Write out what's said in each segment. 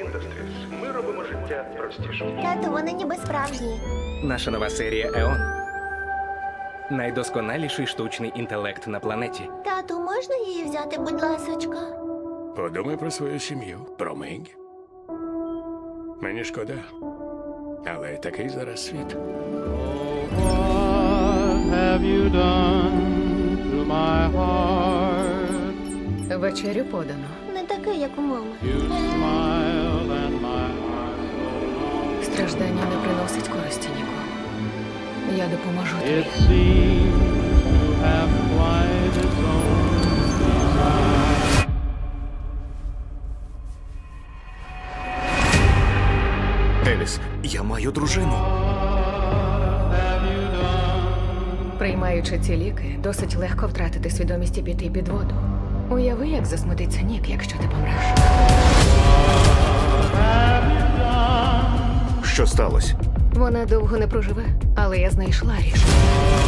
Industries. Ми робимо життя простішим. Тату, вони ніби справжні. Наша нова серія Еон. Найдосконаліший штучний інтелект на планеті. Тату, можна її взяти, будь ласочка? Подумай про свою сім'ю, про Мегі. Мені шкода. Але такий зараз світ. What have you done to my heart? Вечерю подано. Не такий, як у мами. You smiled and my heart so long. Страждання не приносить користі нікому. Я допоможу It тобі. seems to have quite its own design. Еліс, я маю дружину. Приймаючи ці ліки, досить легко втратити свідомість і піти під воду. Уяви, як засмутиться Нік, якщо ти помреш. Що сталося? Вона довго не проживе, але я знайшла рішення.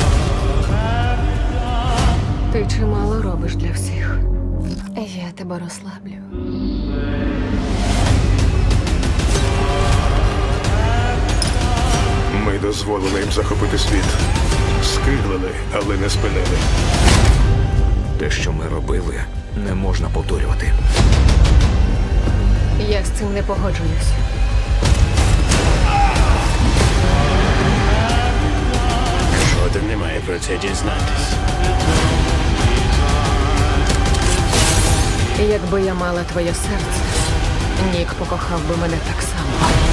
Ти чимало робиш для всіх. Я тебе розслаблю. Ми дозволили їм захопити світ. Скиглили, але не спинили. Те, що ми робили, не можна повторювати. Я з цим не погоджуюсь. Жоден не має про це дізнатись. Якби я мала твоє серце, Нік покохав би мене так само.